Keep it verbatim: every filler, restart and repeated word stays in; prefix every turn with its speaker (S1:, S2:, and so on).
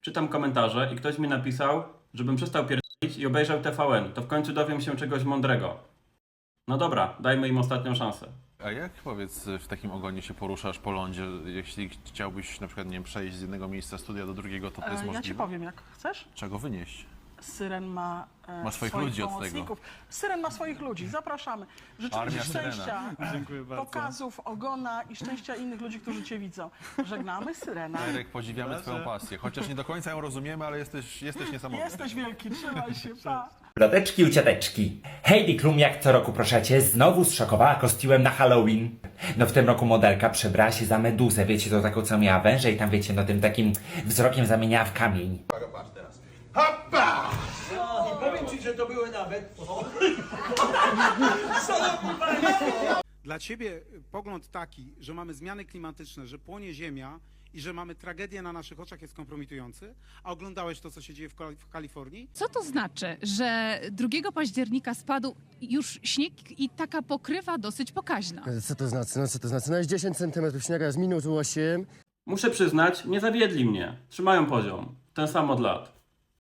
S1: czytam komentarze i ktoś mi napisał, żebym przestał pierdolić i obejrzał T V N. To w końcu dowiem się czegoś mądrego. No dobra, dajmy im ostatnią szansę.
S2: A jak, powiedz, w takim ogonie się poruszasz po lądzie? Jeśli chciałbyś na przykład, nie wiem, przejść z jednego miejsca studia do drugiego, to to jest
S3: E, ja
S2: możliwe?
S3: ci powiem, jak chcesz.
S2: Czego wynieść?
S3: Syren ma, e,
S2: Ma swoich
S3: swoich
S2: ludzi od tego.
S3: pomocników. Syren ma swoich ludzi, zapraszamy. Życzymy
S2: Armia
S3: Ci
S2: Syrena.
S3: szczęścia,
S4: Dziękuję bardzo.
S3: pokazów, ogona i szczęścia innych ludzi, którzy Cię widzą. Żegnamy Syrena.
S2: Erek, podziwiamy twoją pasję. Chociaż nie do końca ją rozumiemy, ale jesteś, jesteś niesamowity.
S3: Jesteś wielki, trzymaj się, pa.
S5: Ploteczki u cioteczki. Heidi Klum jak co roku proszę cię znowu zszokowała kostiumem na Halloween. No w tym roku modelka przebrała się za meduzę, wiecie, to taką co miała węże i tam wiecie, no tym takim wzrokiem zamieniała w kamień.
S6: I powiem ci, że to były nawet...
S4: Dla ciebie pogląd taki, że mamy zmiany klimatyczne, że płonie ziemia i że mamy tragedię na naszych oczach jest kompromitujący, a oglądałeś to, co się dzieje w, Kal- w Kalifornii?
S7: Co to znaczy, że drugiego października spadł już śnieg i taka pokrywa dosyć pokaźna?
S8: Co to znaczy? No co to znaczy? No jest dziesięć centymetrów śniega z minus osiem.
S1: Muszę przyznać, nie zawiedli mnie. Trzymają poziom. Ten sam od lat.